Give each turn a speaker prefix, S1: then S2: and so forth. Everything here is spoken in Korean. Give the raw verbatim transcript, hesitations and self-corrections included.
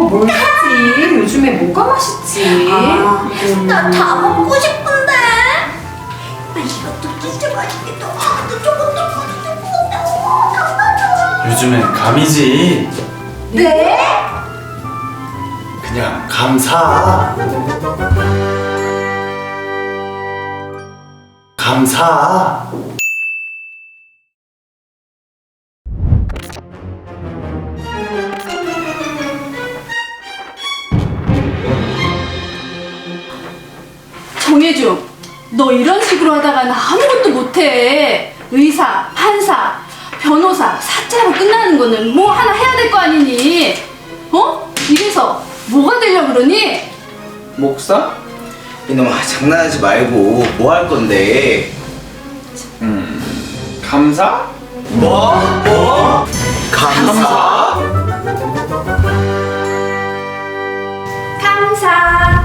S1: 뭘 사지? 요즘에 뭐가 맛있지?
S2: 아,
S1: 음.
S2: 나 다 먹고 싶은데. 아, 이것도 진짜 맛있겠다. 아, 또 저것도 맛있겠다. 어, 다
S3: 요즘엔 감이지.
S2: 네?
S3: 그냥 감사. 감사.
S4: 정혜중, 너 이런 식으로 하다가는 아무것도 못해. 의사, 판사, 변호사, 사자로 끝나는 거는 뭐 하나 해야 될 거 아니니? 어? 이래서 뭐가 되려고 그러니?
S5: 목사?
S6: 이놈아 장난하지 말고 뭐 할 건데?
S5: 음, 감사?
S6: 뭐? 뭐? 감사?
S4: 감사.